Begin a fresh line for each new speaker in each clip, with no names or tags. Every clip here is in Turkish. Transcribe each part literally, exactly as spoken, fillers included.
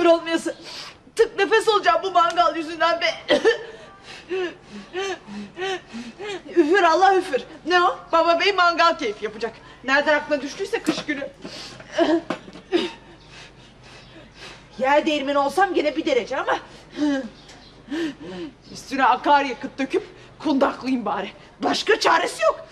kör olmayası. Tık nefes olacağım bu mangal yüzünden be. Üfür Allah üfür. Ne o? Baba bey mangal keyfi yapacak. Nereden aklına düştüyse kış günü. Yer değirmeni olsam gene bir derece ama... Üstüne akaryakıt döküp kundaklayayım bari. Başka çaresi yok.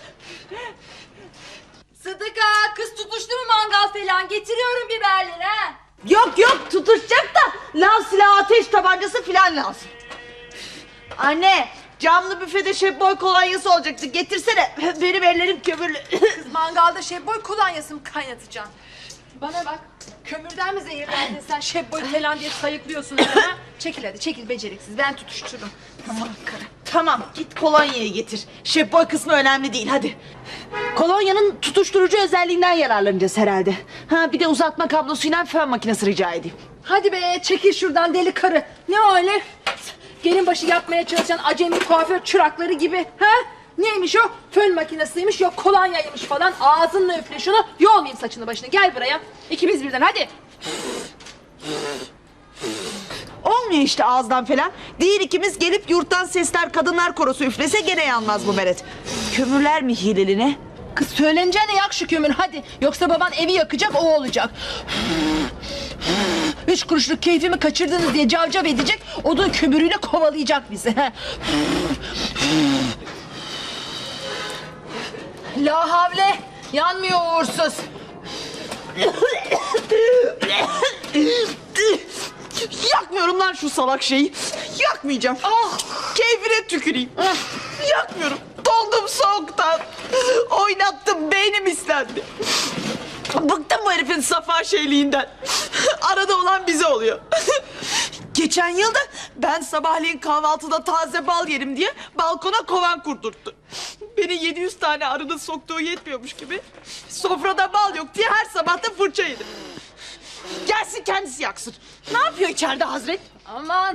Sıdıka, kız tutuştu mu mangal falan? Getiriyorum biberleri ha.
Yok yok, tutuşacak da lav silahı, ateş tabancası filan lazım. Anne, camlı büfede şefboy kolonyası olacaktı. Getirsene. Benim ellerim kömürlü.
Mangalda şebboy kolonyası mı kaynatacaksın? Bana bak, kömürden mi zehirlendin sen şebboy falan diye sayıklıyorsun ha? Çekil hadi, çekil beceriksiz, ben tutuştururum.
Tamam karı. Tamam, git kolonyayı getir. Şefboy kısmı önemli değil, hadi. Kolonyanın tutuşturucu özelliğinden yararlanacağız herhalde. Ha, bir de uzatma kablosuyla fön makinesi rica edeyim.
Hadi be, çekil şuradan deli karı. Ne öyle? Gelin başı yapmaya çalışan acemi kuaför çırakları gibi. Ha? Neymiş o? Fön makinesiymiş, yok kolonyaymış falan. Ağzınla üfle şunu, yolmayayım saçını başını. Gel buraya. İkimiz birden, hadi.
Olmuyor işte ağızdan falan. Değil ikimiz gelip yurttan sesler kadınlar korosu üflese gene yanmaz bu meret. Kömürler mi hileli ne?
Kız söyleneceğine yak şu kömür hadi. Yoksa baban evi yakacak, o olacak. Üç kuruşluk keyfimi kaçırdınız diye cavcav edecek. Odun kömürüyle kovalayacak bizi. La havle. Yanmıyor uğursuz.
Yakmıyorum lan şu salak şeyi. Yakmayacağım. Ah, keyfine tüküreyim. Ah, yakmıyorum. Doldum soğuktan. Oynattım, beynim istendi. Bıktım bu herifin safa şeyliğinden. Arada olan bize oluyor. Geçen yılda ben sabahleyin kahvaltıda taze bal yerim diye balkona kovan kurdurttu. Beni yedi yüz tane arının soktuğu yetmiyormuş gibi sofrada bal yok diye her sabah da fırça yedim. Gelsin kendisi yaksın. Ne yapıyor içeride Hazret?
Aman.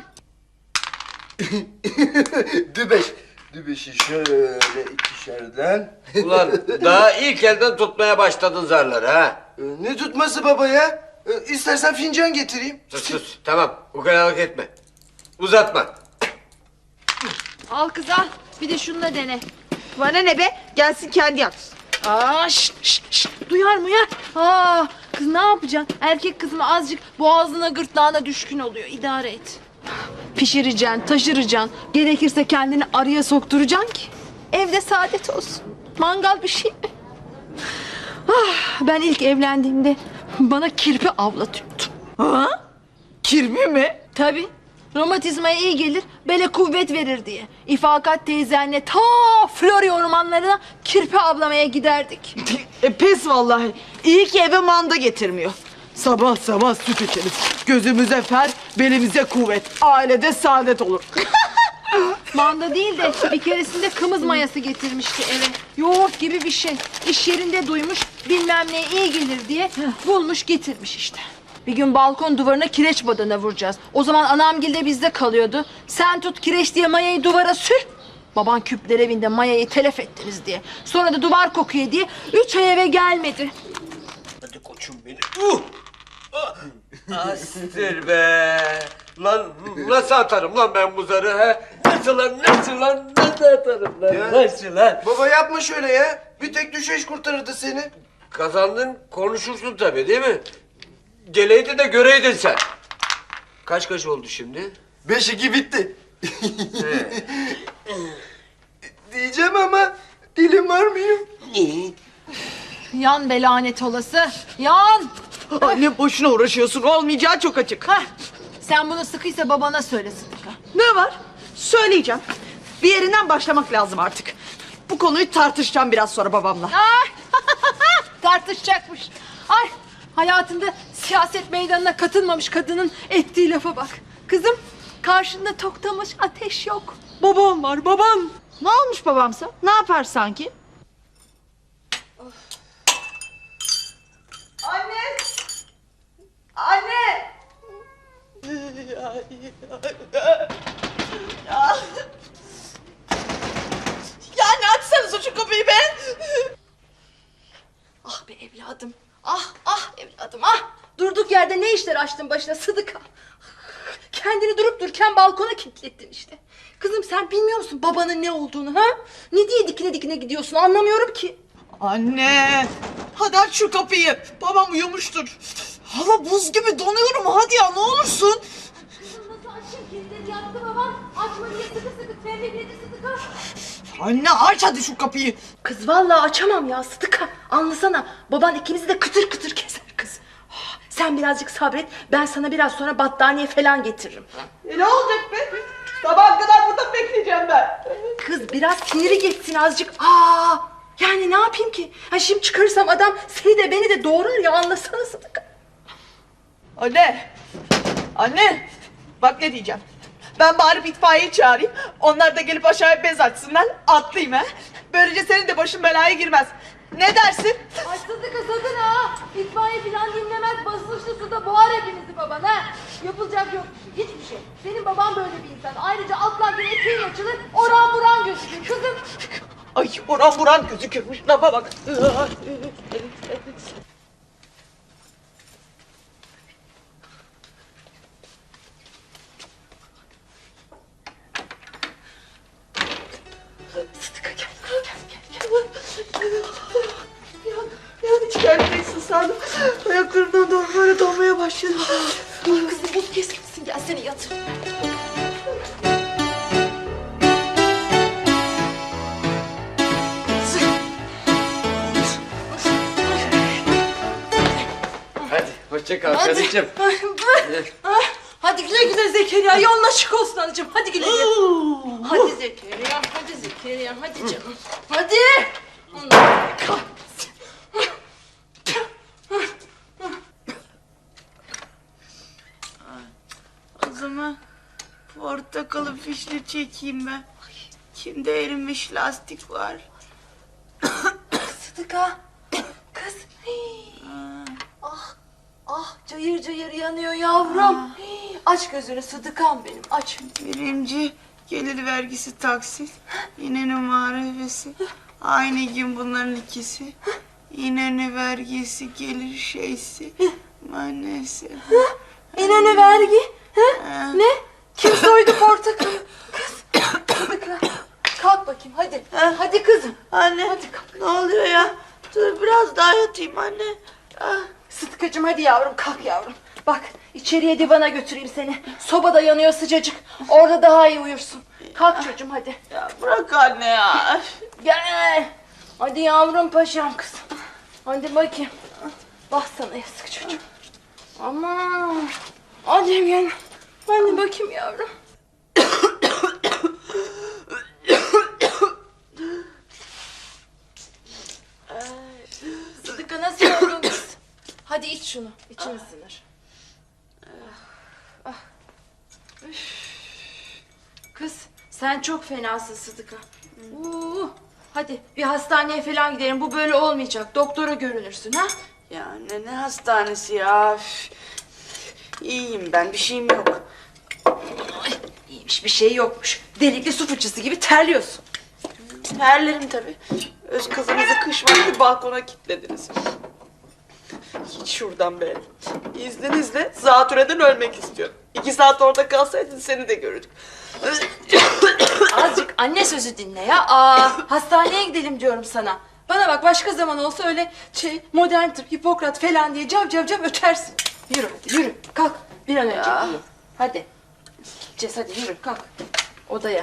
Dübeş. Dübeşi şöyle ikişerden.
Ulan daha ilk elden tutmaya başladın zarları ha.
Ee, ne tutması baba ya? Ee, İstersen fincan getireyim.
Sus sus tamam ukalalık etme. Uzatma.
Al kız al. Bir de şununla dene.
Bana ne be? Gelsin kendi yaksın.
Aa, şşt, şşt, şşt. Duyar muyar? Aa, kız ne yapacaksın? Erkek kız mı azıcık boğazına gırtlağına düşkün oluyor. İdare et. Pişireceksin, taşıracaksın. Gerekirse kendini araya sokturacaksın ki evde saadet olsun. Mangal bir şey mi? Ah, ben ilk evlendiğimde bana kirpi avlatıyordu.
Ha? Kirpi mi?
Tabii. Romatizmaya iyi gelir, bele kuvvet verir diye. İfakat teyzenle ta Florya ormanlarına kirpi avlamaya giderdik.
E, pes vallahi. İyi ki eve manda getirmiyor. Sabah sabah süt içeriz. Gözümüze fer, belimize kuvvet. Ailede saadet olur.
Manda değil de bir keresinde kımız mayası getirmişti eve. Yoğurt gibi bir şey. İş yerinde duymuş, bilmem neye iyi gelir diye bulmuş getirmiş işte. Bir gün balkon duvarına kireç badana vuracağız. O zaman anamgil de bizde kalıyordu. Sen tut kireç diye mayayı duvara sür. Baban küpler evinde mayayı telef ettiniz diye. Sonra da duvar kokuyor diye üç ay eve gelmedi.
Hadi koçum benim. Uh! Astir be. Lan nasıl atarım lan ben bu zarı ha? Nasıl lan nasıl lan nasıl atarım lan
Ya.
nasıl lan?
Baba yapma şöyle ya. Bir tek düşeş kurtarırdı seni.
Kazandın konuşursun tabii değil mi? Geleydin de göreydin sen. Kaç kaç oldu şimdi?
Beş iki bitti.
He.
Diyeceğim ama dilim varmıyor.
Yan be lanet olası. Yan.
Anne boşuna uğraşıyorsun. Olmayacağı çok açık.
Hah. Sen bunu sıkıysa babana söyle Sıdıka.
Ne var? Söyleyeceğim. Bir yerinden başlamak lazım artık. Bu konuyu tartışacağım biraz sonra babamla.
Ay! Tartışacakmış. Ay! Hayatında siyaset meydanına katılmamış kadının ettiği lafa bak. Kızım, karşında toktamış ateş yok.
Babam var, babam. Ne olmuş babamsa? Ne yapar sanki? Anne! Anne! Ya, ya ne açsanıza şu kapıyı be!
Ah be evladım. Ah ah evladım ah. Durduk yerde ne işler açtın başına Sıdıka? Kendini durup dururken balkona kilitlettin işte. Kızım sen bilmiyor musun babanın ne olduğunu ha? Ne diye dikine dikine gidiyorsun anlamıyorum ki.
Anne, hadi aç şu kapıyı. Babam uyumuştur. Hava buz gibi donuyorum. Hadi ya ne olursun.
Nasıl açayım kilitleri yaktı babam. Açma diye sıkı sıkı tembihledi Sıdıka.
Anne aç hadi şu kapıyı.
Kız vallahi açamam ya Sıdıka. Anlasana baban ikimizi de kıtır kıtır keser kız. Ah, sen birazcık sabret ben sana biraz sonra battaniye falan getiririm.
E, ne olacak be? Sabaha kadar burada bekleyeceğim ben.
Kız biraz siniri geçsin azıcık. Aa, yani ne yapayım ki? Ha şimdi çıkarırsam adam seni de beni de doğrar ya anlasana Sıdıka.
Anne, anne. Bak ne diyeceğim. Ben bari itfaiyeyi çağırayım. Onlar da gelip aşağıya bez açsınlar. Atlayayım ha. Böylece senin de başın belaya girmez. Ne dersin?
Ay Sıdıka sakın ha. İtfaiye falan dinlemez basınçlı suda boğar hepimizi baban ha. Yapılacak yok hiçbir şey. Senin baban böyle bir insan. Ayrıca atlarken eteğin açılır oran buran gözükür kızım.
Ay oran buran gözükürmüş. Lafa bak.
Sıdıka gel gel gel gel.
Yani hiç gelmeyeceksin sandım. Ayaklarımdan doğru böyle donmaya başladım.
Ay kızım buz kesilsin gel seni yatır.
Hadi hoşça kal karıcığım.
Hadi güle güle Zekeriya yolun açık olsun anacığım hadi güle güle. Hadi Zekeriya hadi Zekeriya hadi canım. Hadi. Allah kahretsin.
O zaman portakalı fişli çekeyim ben. Kimde erimiş lastik var?
Sıdıka. Kız. Hii. Ah. Ah cayır cayır yanıyor yavrum. Hii. Aç gözünü Sıdıkam benim aç.
Birinci gelir vergisi taksit. İnönü muharebesi. Aynı gün bunların ikisi. İnönü vergisi gelir şeysi. Maalesef.
İnönü vergi. Ha? Ne? Kim soydu portakalı? Kız. Sıdıka. Kalk bakayım hadi. Hadi kızım.
Anne
Hadi kalk.
ne oluyor ya? Dur biraz daha yatayım anne. Ah.
Sıtkıcığım hadi yavrum kalk yavrum. Bak içeriye divana götüreyim seni. Sobada yanıyor sıcacık. Orada daha iyi uyursun. Kalk çocuğum hadi.
Ya bırak anne ya.
Gel. Hadi yavrum paşam kızım. Hadi bakayım. Bak sana yazık çocuğum. Aman. Hadi gel. Hadi bakayım yavrum. Sıdıka nasıl oldun kız? Hadi iç şunu. İçin ısınır. Ah, ah. Üf. Kız sen çok fenasın Sıdıka. Uuu. Hadi bir hastaneye falan gidelim. Bu böyle olmayacak. Doktora görünürsün ha?
Ya anne ne hastanesi ya. Üf. İyiyim ben bir şeyim yok.
Ay, iyiymiş bir şey yokmuş. Delikli su fıçısı gibi terliyorsun.
Terlerim tabii. Öz kızınızı kış vakti balkona kilitlediniz. Hiç şuradan be. İzninizle zatürreden ölmek istiyorum. İki saat orada kalsaydın seni de görürdük.
Azıcık anne sözü dinle ya. Aa, hastaneye gidelim diyorum sana. Bana bak başka zaman olsa öyle şey modern tıp, Hipokrat falan diye cav cav cav ötersin. Yürü hadi yürü kalk bir an önce yürü. Hadi. Gideceğiz hadi yürü kalk. Odaya.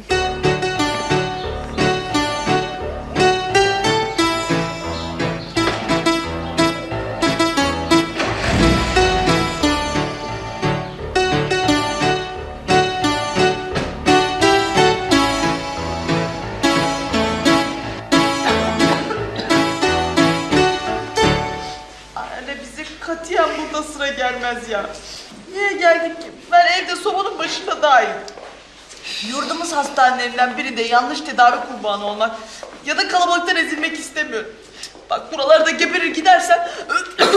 Anne bize katiyen burada sıra gelmez ya. Niye geldik ki? Ben evde sobanın başında daha iyiyim. Yurdumuz hastanelerinden birinde yanlış tedavi kurbanı olmak ya da kalabalıktan ezilmek istemiyorum. Bak buralarda geberir gidersem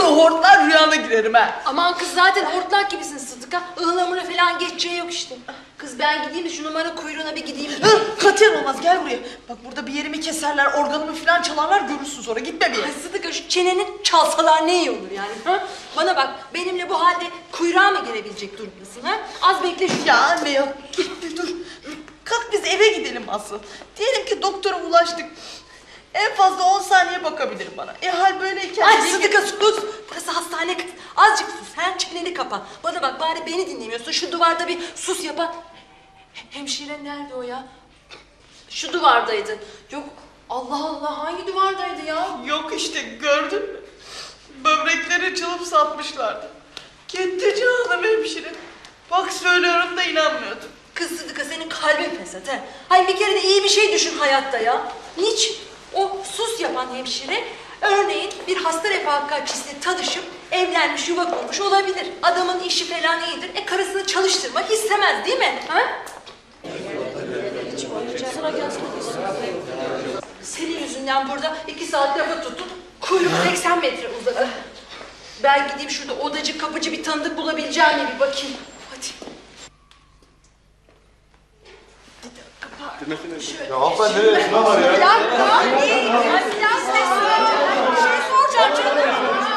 hortlar rüyana girerim ha.
Aman kız zaten hortlak gibisin Sıdıka. Ihlamura falan geçeceği yok işte. Kız ben gideyim de şu numara kuyruğuna bir gideyim.
Hı, katiyen olmaz, gel buraya. Bak burada bir yerimi keserler, organımı falan çalarlar, görürsün sonra. Gitme bir yere.
Ay Sıdıka şu çeneni çalsalar ne iyi olur yani. Ha? Bana bak benimle bu halde kuyruğa mı gelebilecek durumdasın ha? Az bekle şu.
Ya anne ya, dur, dur. Kalk biz eve gidelim asıl. Diyelim ki doktora ulaştık. En fazla on saniye bakabilir bana. E hal böyleyken...
Ay Sıdıka sus. Burası hastane kız. Azıcık sus. Sen çeneni kapa. Bana bak bari beni dinlemiyorsun. Şu duvarda bir sus yapa. Hemşire nerede o ya? Şu duvardaydı. Yok Allah Allah hangi duvardaydı ya?
Yok işte, gördün mü? Böbrekleri çalıp satmışlardı. Gitti canım hemşire. Bak söylüyorum da inanmıyordum.
Kız Sıdıka senin kalbin fesat he. Hay bir kere de iyi bir şey düşün hayatta ya. Niçin? O sus yapan hemşire örneğin bir hasta refakatçisiyle tanışıp evlenmiş yuva kurmuş olabilir. Adamın işi falan iyidir. E karısını çalıştırmak istemez değil mi? Ha? Senin yüzünden burada iki saat lafa tuttum. Kuyruk seksen metre uzadı. Ben gideyim şurada odacı kapıcı bir tanıdık bulabileceğim mi bir bakayım. Hadi.
Ya hanımefendi nereye? Şuna var ya.
Bir dakika. Değil. Ya biraz sessiz. Bir şey soracağım canım.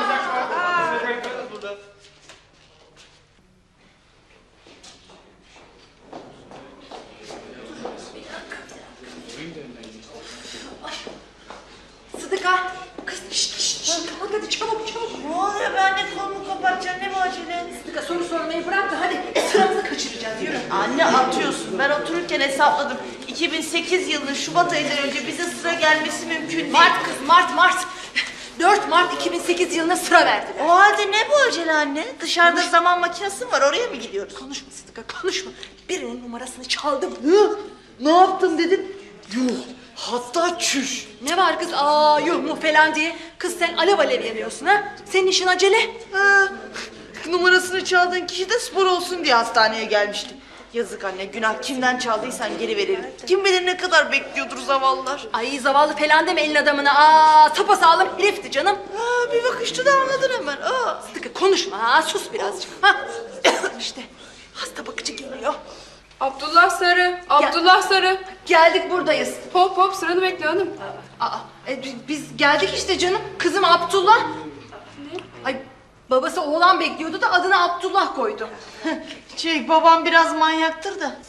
Sıdıka. Kız şşt şşt şşt. Kalk hadi çabuk çabuk.
Ne oluyor, ben de kolumu kapatacağım, ne bu acele?
Sıdıka soru sormayı bırak da hadi sıramızı kaçıracağız yürü.
Anne atıyorsun, ben otururken hesapladım. iki bin sekiz yılının Şubat ayından önce bize sıra gelmesi mümkün değil.
Mart kız Mart Mart. dört Mart iki bin sekiz yılına sıra verdiler.
O halde ne bu acele anne? Dışarıda zaman makinesi mi var, oraya mı gidiyoruz?
Konuşma Sıdıka konuşma. Birinin numarasını çaldım.
Hı? Ne yaptın dedin? Yuh, hatta çüş.
Ne var kız aa yuh mu falan diye. Kız sen alev alev yanıyorsun ha. Senin işin acele.
Ha, numarasını çaldığın kişi de spor olsun diye hastaneye gelmişti. Yazık anne, günah, kimden çaldıysan geri verelim. Kim bilir ne kadar bekliyordur zavallılar.
Ay zavallı falan deme elin adamına. Aa sapasağlam herifti canım.
Ha, bir bakışta da anladın hemen. Aa.
Sıdıka konuşma ha sus birazcık. Ha. İşte hasta bakıcı geliyor.
Abdullah Sarı, Abdullah Sarı.
Geldik buradayız.
Hop hop sıranı bekle hanım.
Aa, e, bi- biz geldik işte canım. Kızım Abdullah. Ne? Ay babası oğlan bekliyordu da adını Abdullah koydu.
Şey, babam biraz manyaktır da.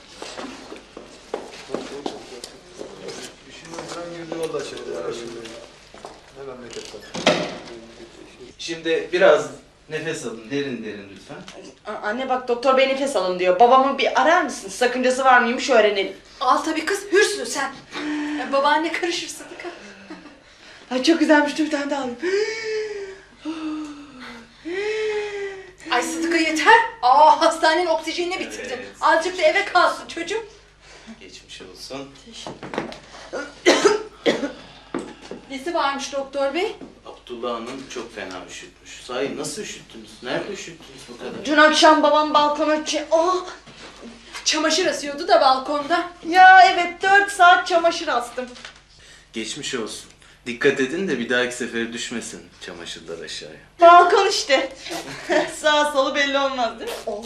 Şimdi biraz nefes alın, derin derin lütfen.
A- Anne bak, doktor bey nefes alın diyor. Babamı bir arar mısın? Sakıncası var mıymış öğrenelim.
Al tabii kız hürsün sen. Ya, babaanne karışır Sıdıka.
Ay çok güzelmiş, dur bir tane daha alayım.
Ay Sıdıka yeter. Aa hastanenin oksijenini bitirdin.
Evet.
Azıcık da eve kalsın çocuğum.
Geçmiş olsun.
Nesi varmış doktor bey?
Abdullah Hanım çok fena üşütmüş. Sahi nasıl üşüttünüz? Nerede üşüttünüz bu kadar?
Dün akşam babam balkona çe- Oh!
Çamaşır asıyordu da balkonda.
Ya evet, dört saat çamaşır astım.
Geçmiş olsun. Dikkat edin de bir dahaki sefere düşmesin çamaşırlar aşağıya.
Balkon işte. Sağ solu belli olmaz değil mi? Oh.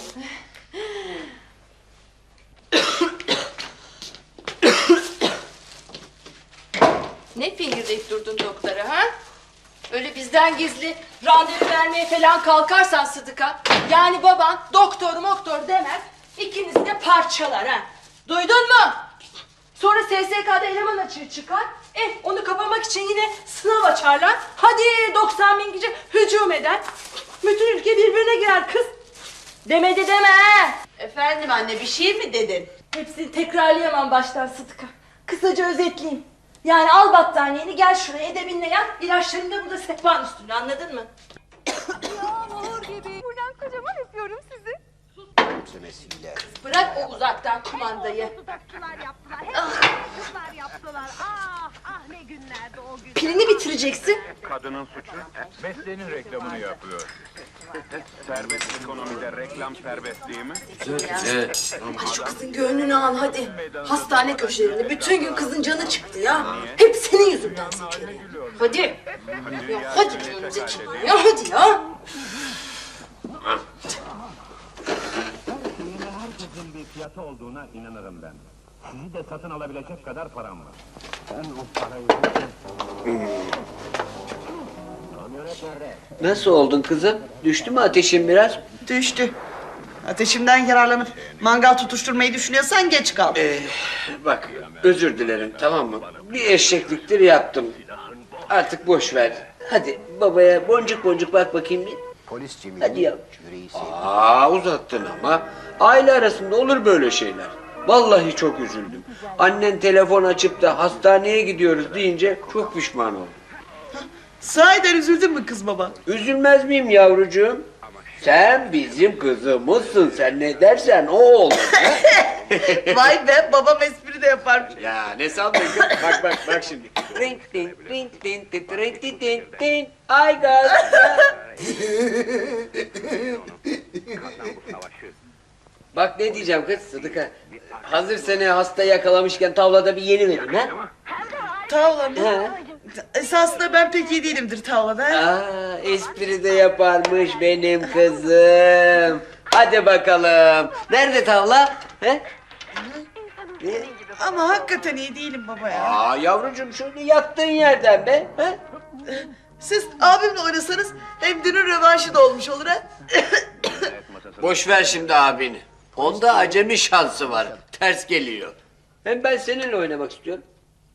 Ne fingirdeyip durdun doktora ha? Öyle bizden gizli randevu vermeye falan kalkarsan Sıdıka, yani baban doktor moktor demez, ikinizi de parçalar ha. Duydun mu? Sonra S S K'da eleman açığı çıkar, eh onu kapamak için yine sınav açarlar. Hadi doksan bin kişi hücum eder. Bütün ülke birbirine girer kız. Demedi deme ha.
Efendim anne, bir şey mi dedin?
Hepsini tekrarlayamam baştan Sıdıka. Kısaca özetleyeyim. Yani al battaniyeni gel şuraya edebinle yat. İlaçlarını da burada sehpanın üstünde, anladın mı?
Yağmur gibi. Buradan kocaman öpüyorum sizi.
Bırak o uzaktan kumandayı.
Dudakçılar yaptılar. Hep kızlar yaptılar. Ah ah ne günlerdi o gün.
Pilini bitireceksin.
Kadının suçu mesleğinin reklamını yapıyor. Serbest ekonomide reklam serbest değil mi?
Evet.
Ay şu kızın gönlünü al hadi. Hastane köşelerinde bütün gün kızın canı çıktı ya. Hep senin yüzünden Zekeriya. Hadi. Ya hadi diyorum Zekeriya. Ya hadi ya.
fiyatı olduğuna inanırım ben. Sizi de satın alabilecek kadar param var. Ben o parayı... Kamyonet nerede?
Nasıl oldun kızım? Düştü mü ateşin biraz?
Düştü. Ateşimden yararlanıp mangal tutuşturmayı düşünüyorsan geç kal.
Ee, bak özür dilerim tamam mı? Bir eşekliktir yaptım. Artık boş ver. Hadi babaya boncuk boncuk bak bakayım bir.
Polis
Hadi ya. Aa uzattın ama. Aile arasında olur böyle şeyler. Vallahi çok üzüldüm. Annen telefon açıp da hastaneye gidiyoruz deyince çok pişman oldum.
Sahiden üzüldün mü kız baba?
Üzülmez miyim yavrucuğum? Sen bizim kızımızsın. Sen ne dersen o olur. ha?
Vay be, babam espri de yaparmış.
Ya ne sandın kız? Bak bak bak şimdi. Ring ding ring ding ding ring ding ding ding. Ay gaz. Bak ne diyeceğim kız Sıdıka. Hazır seni hasta yakalamışken tavlada bir yeni vereyim ha?
Tavla mı?
Ha.
Esasında ben pek iyi değilimdir tavlada.
Aa, espri de yaparmış benim kızım. Hadi bakalım. Nerede tavla? He? Ne?
Ama hakikaten iyi değilim baba ya.
Aa yavrucuğum şöyle yattığın yerden be. He?
Siz abimle oynasanız hem dünün rövanşı da olmuş olur ha.
Boş ver şimdi abini. Onda acemi şansı var. Ters geliyor. Hem ben seninle oynamak istiyorum.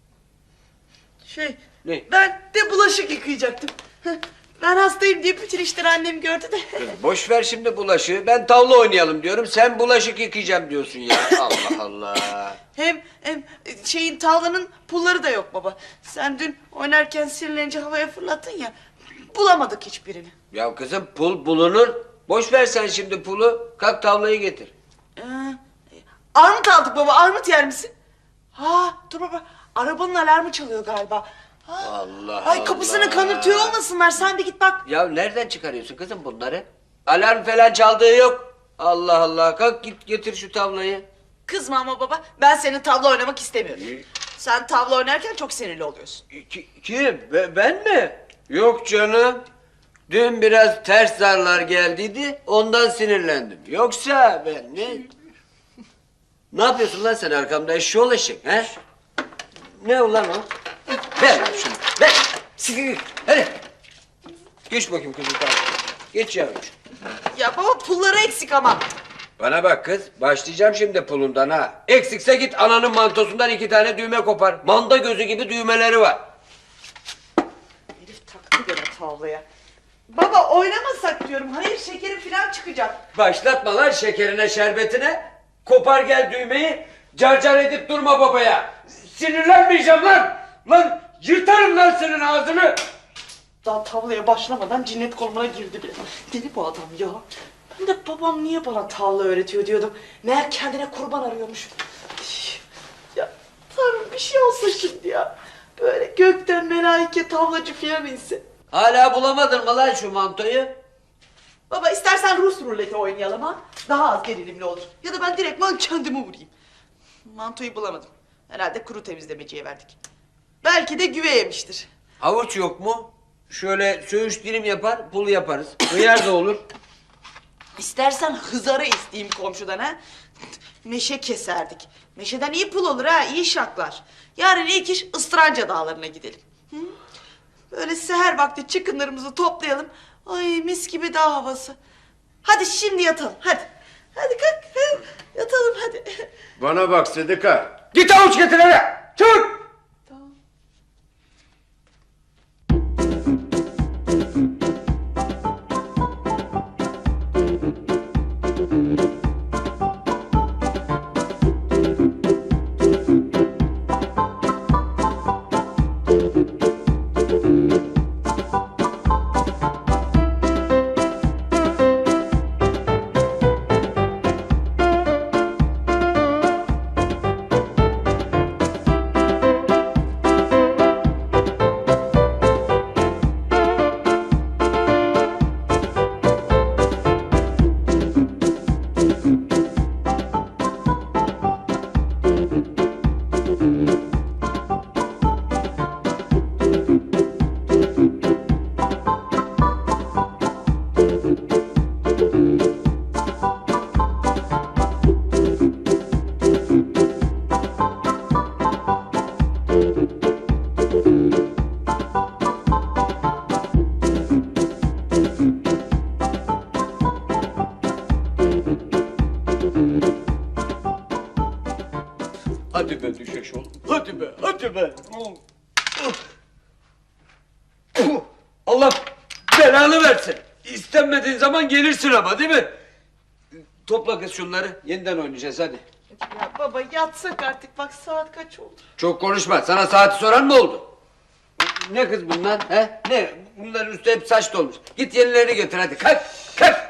Şey,
Ne?
ben de bulaşık yıkayacaktım. Ben hastayım diye bütün işleri annem gördü de.
Kız boş ver şimdi bulaşığı. Ben tavla oynayalım diyorum. Sen bulaşık yıkayacağım diyorsun ya. Allah Allah.
Hem, hem şeyin tavlanın pulları da yok baba. Sen dün oynarken sinirlenince havaya fırlattın ya. Bulamadık hiçbirini.
Ya kızım pul bulunur. Boş ver sen şimdi pulu. Kalk tavlayı getir.
Ee, armut aldık baba, armut yer misin? Ha, dur baba, arabanın alarmı çalıyor galiba. Ha,
Allah
Ay kapısını
Allah.
kanırtıyor olmasınlar, sen bir git bak.
Ya nereden çıkarıyorsun kızım bunları? Alarm falan çaldığı yok. Allah Allah. Kalk git getir şu tavlayı.
Kızma ama baba, ben senin tavla oynamak istemiyorum. Sen tavla oynarken çok sinirli oluyorsun.
Ki- kim? Be- ben mi? Yok canım. Dün biraz ters zarlar geldiydi. Ondan sinirlendim. Yoksa ben ne? Ne yapıyorsun lan sen arkamda eşşoğlu eşek he? Ne ulan o? Ver lan şunu. Ver. Siktir. Hadi. Geç bakayım kızım tamam. Geç yavrucuğum.
Ya baba pulları eksik ama.
Bana bak kız. Başlayacağım şimdi pulundan ha. Eksikse git ananın mantosundan iki tane düğme kopar. Manda gözü gibi düğmeleri var.
Herif taktı gene tavlaya. Baba oynamasak diyorum, hayır şekerim falan çıkacak.
Başlatma lan şekerine şerbetine. Kopar gel düğmeyi. Carcar edip durma babaya. Sinirlenmeyeceğim lan. Lan yırtarım lan senin ağzını.
Daha tavlaya başlamadan cinnet koluna girdi bile. Deli bu adam ya. Ben de babam niye bana tavla öğretiyor diyordum. Meğer kendine kurban arıyormuş. Ya Tanrım bir şey olsa şimdi ya. Böyle gökten melaike tavlacı filan inse.
Hala bulamadın mı lan şu mantoyu?
Baba istersen Rus ruleti oynayalım ha. Daha az gerilimli olur. Ya da ben direktman kendimi vurayım. Mantoyu bulamadım. Herhalde kuru temizlemeciye verdik. Belki de güve yemiştir.
Havuç yok mu? Şöyle söğüş dilim yapar, pul yaparız. Hıyar da olur.
İstersen hızarı isteyeyim komşudan ha. Meşe keserdik. Meşeden iyi pul olur ha, iyi şaklar. Yarın ilk iş Istranca dağlarına gidelim. Hı? Böyle seher vakti çıkınlarımızı toplayalım. Ay mis gibi dağ havası. Hadi şimdi yatalım, hadi. Hadi kalk, hadi. Yatalım hadi.
Bana bak Sıdıka. Git havuç getir hele. Çabuk. Hadi be düşeş oğlum. Hadi be, hadi be. Allah belanı versin. İstenmediğin zaman gelirsin ama değil mi? Topla kız şunları. Yeniden oynayacağız hadi.
Ya baba yatsak artık bak saat kaç oldu.
Çok konuşma. Sana saati soran mı oldu? Ne kız bunlar? He? Ne? Bunların üstü hep saç dolmuş. Git yenilerini getir hadi. Kalk, kalk.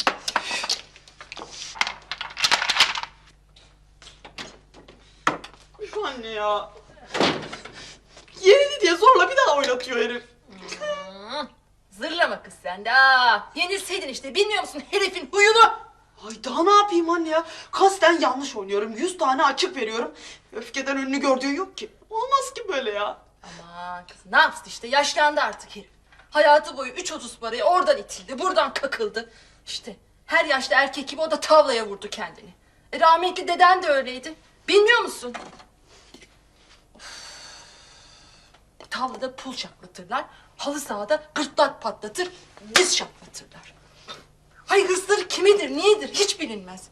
Üf anne ya. Yenildi diye zorla bir daha oynatıyor herif.
Zırlama kız sen de. Aa, yenilseydin işte, bilmiyor musun herifin huyunu?
Ay daha ne yapayım anne ya? Kasten yanlış oynuyorum. Yüz tane açık veriyorum. Öfkeden önünü gördüğü yok ki. Olmaz ki böyle ya.
Aman kız ne yapsın işte, yaşlandı artık herif. Hayatı boyu üç otuz parayı oradan itildi, buradan kakıldı. İşte her yaşlı erkek gibi o da tavlaya vurdu kendini. E, rahmetli deden de öyleydi. Bilmiyor musun? Of. Tavlada pul şaklatırlar, halı sahada gırtlak patlatır, diz şaklatırlar. Hay hırsları kimidir, niyedir hiç bilinmez.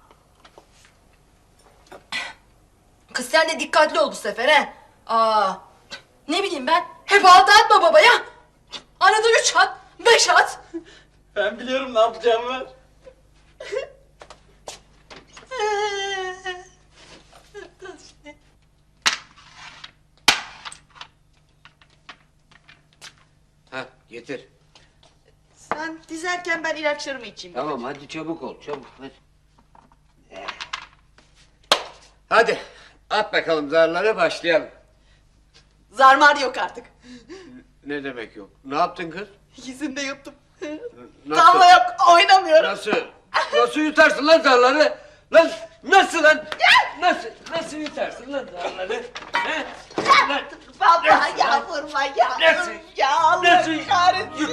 Kız sen de dikkatli ol bu sefer he. Aa, ne bileyim ben, hep altı atma babaya. Arada üç at, beş at.
Ben biliyorum ne yapacağımı ver.
Ha getir.
Sen dizerken ben ilaçlarımı içeyim.
Tamam hadi çabuk ol çabuk hadi. Hadi at bakalım zarları başlayalım.
Zarmar yok artık.
Ne demek yok? Ne yaptın kız?
İkisini de yuttum.
Nasıl?
Tavla yok oynamıyorum.
Nasıl? Nasıl yutarsın lan zarları? Lan nasıl lan? Nasıl? Nasıl yutarsın lan zarları? He? Lan,
Baba ya vurma ya.
Nasıl?
Ya Allah
Nasıl
kahretsin.